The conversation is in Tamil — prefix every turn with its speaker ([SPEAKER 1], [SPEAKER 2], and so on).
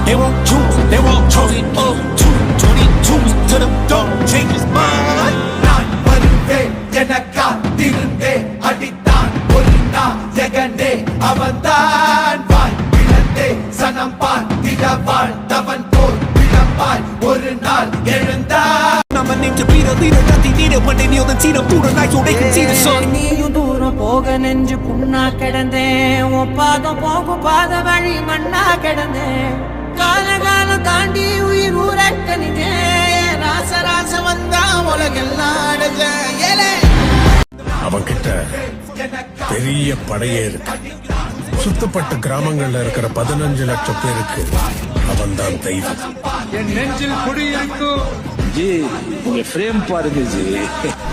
[SPEAKER 1] They won't choose, they won't choose it. 22 to the dog, change his mind.
[SPEAKER 2] நான் வருவேன் எனக்கா திருந்தே அடித்தான் ஒரு நாள் ஜெகனே அவன்தான் வாய் இழந்தே சனம் பார்த்திட வாழ்ந்தவன் போல் விளம்பாய் ஒரு நாள் எழுந்தான்.
[SPEAKER 1] I'm a name to be the leader that they needed when they kneel and see them through the night so they can see the sun.
[SPEAKER 3] நீயும் தூரம் போக நெஞ்சு புண்ணா கிடந்தேன் உன் பாதம் போகும் பாத வழி மண்ணா கிடந்தேன் காலம் தாண்டி உயிர் ஊரட்டனிட்டேன் ராச வந்தா உலகெல்லாம் அடைஞ்சேன்.
[SPEAKER 4] அவன் கிட்ட பெரிய படையே இருக்கு. சுத்தப்பட்ட கிராமங்கள்ல இருக்கிற 15 லட்சம் பேருக்கு அவன் தான் தெய்வம்.
[SPEAKER 5] என் நெஞ்சில் குடியிருக்கும் ஜி உங்க ஃப்ரேம் பாருங்க ஜி.